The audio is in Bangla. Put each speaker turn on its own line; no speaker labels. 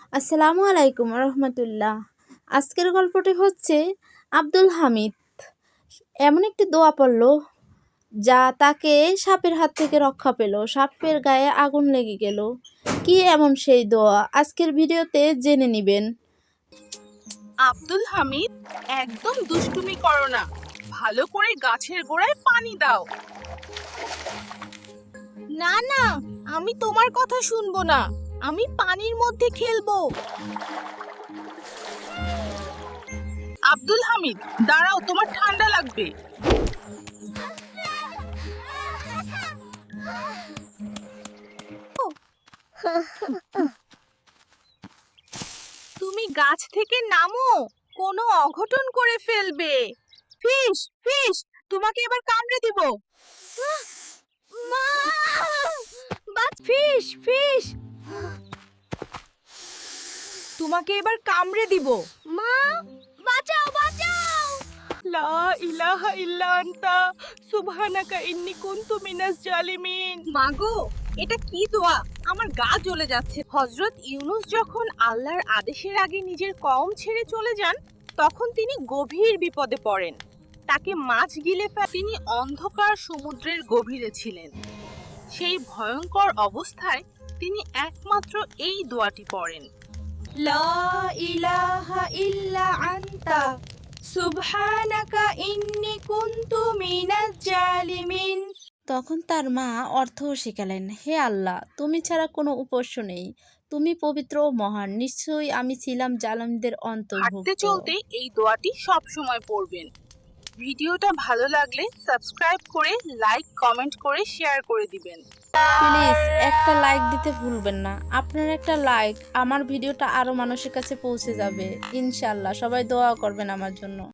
আসসালামু আলাইকুম রহমতুল্লাহ। আজকের গল্পটি হচ্ছে আব্দুল হামিদ এমন একটি দোয়া পড়ল যা তাকে সাপের হাত থেকে রক্ষা পেল। সাপের গায়ে আগুন লেগে গেল। কি এমন সেই দোয়া আজকের ভিডিওতে জেনে নিবেন।
আব্দুল হামিদ, একদম দুষ্টুমি করো না। ভালো করে গাছের গোড়ায় পানি দাও। না না, আমি তোমার কথা শুনবো না। আমি পানির মধ্যে খেলবো। আব্দুল হামিদ, দাঁড়াও, তোমার ঠান্ডা লাগবে। তুমি গাছ থেকে নামো, কোনো অঘটন করে ফেলবে। ফিশ ফিশ, তোমাকে এবার কামড়ে দিব। ফিশ ফিশ, তোমাকে এবার কামড়ে দিব। মা, বাঁচাও বাঁচাও। লা ইলাহা ইল্লা আনতা সুবহানাকা ইন্নী কুনতু মিনাজ জালিমিন। মাগো, এটা কি দোয়া? আমার গা জ্বলে যাচ্ছে। হযরত ইউনূস যখন আল্লাহর আদেশের আগে নিজের কওম ছেড়ে চলে যান, তখন তিনি গভীর বিপদে পড়েন। তাকে মাছ গিলে ফেলে তিনি অন্ধকার সমুদ্রের গভীরে ছিলেন। সেই ভয়ঙ্কর অবস্থায় তিনি একমাত্র এই দোয়াটি পড়েন, লা ইলাহা ইল্লা আনতা সুবহানাকা ইন্নী কুনতু মিনাজ জালিমিন।
তখন তার মা অর্থও শিখালেন, হে আল্লাহ, তুমি ছাড়া কোনো উপাস্য নেই। তুমি পবিত্র ও মহান। নিশ্চয়ই আমি ছিলাম জালিমদের
হাঁটতে
অন্তর্ভুক্ত।
চলতে এই দোয়াটি সব সময় পড়বেন। ভিডিওটা ভালো লাগলে সাবস্ক্রাইব করে, লাইক, কমেন্ট করে শেয়ার করে দিবেন।
প্লিজ একটা লাইক দিতে ভুলবেন না। আপনার একটা লাইক আমার ভিডিওটা আরো মানুষের কাছে পৌঁছে যাবে। ইনশাআল্লাহ সবাই দোয়া করবেন আমার জন্য।